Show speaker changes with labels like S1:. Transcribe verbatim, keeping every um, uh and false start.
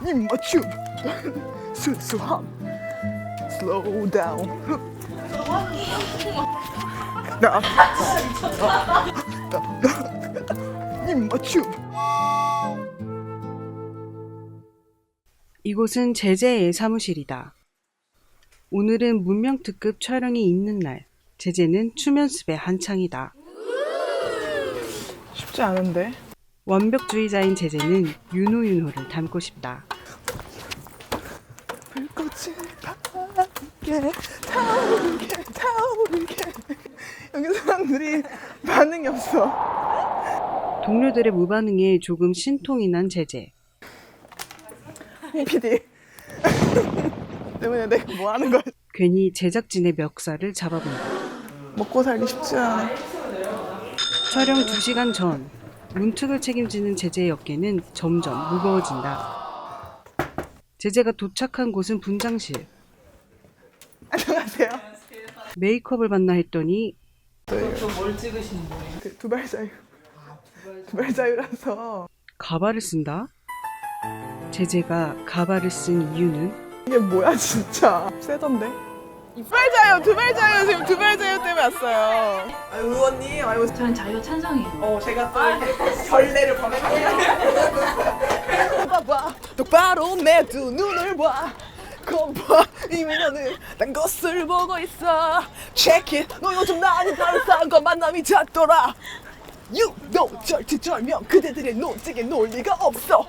S1: 입맞춤 순수함 slow down 나 입맞춤.
S2: 이곳은 제재의 사무실이다. 오늘은 문명특급 촬영이 있는 날. 제재는 춤 연습에 한창이다.
S1: 쉽지 않은데.
S2: 완벽주의자인 제재는 윤호윤호를 닮고 싶다.
S1: 불꽃이 타오르게 타오르게 타오르게. 여기 사람들이 반응이 없어.
S2: 동료들의 무반응에 조금 신통이 난 제재.
S1: 피디 때문에 내가 뭐 하는 거야.
S2: 괜히 제작진의 멱살을 잡아본다.
S1: 먹고 살기 쉽지 않아.
S2: 촬영 두 시간 전, 문특을 책임지는 제재의 어깨는 점점 무거워진다. 제재가 도착한 곳은 분장실.
S1: 안녕하세요.
S2: 메이크업을 받나 했더니
S3: 뭘 찍으시는 거예요?
S1: 그 두발자유 두발자유라서.
S2: 가발을 쓴다? 제재가 가발을 쓴 이유는?
S1: 이게 뭐야 진짜. 세던데. 두발자유 두발자유 지금 두발자유 때문에 왔어요. 아 의원님 아이고.
S3: 저는 자유 찬성이에요.
S1: 어 제가 또 이렇게 결례를 범했네요. 봐봐 똑바로 내 두 눈을 봐. 거봐 이미 너는 딴 것을 보고 있어. Check it. 너 요즘 나는 다른 사람과 만남이 잦더라. You know 절치절명 그대들의 논쟁에 논리가 없어.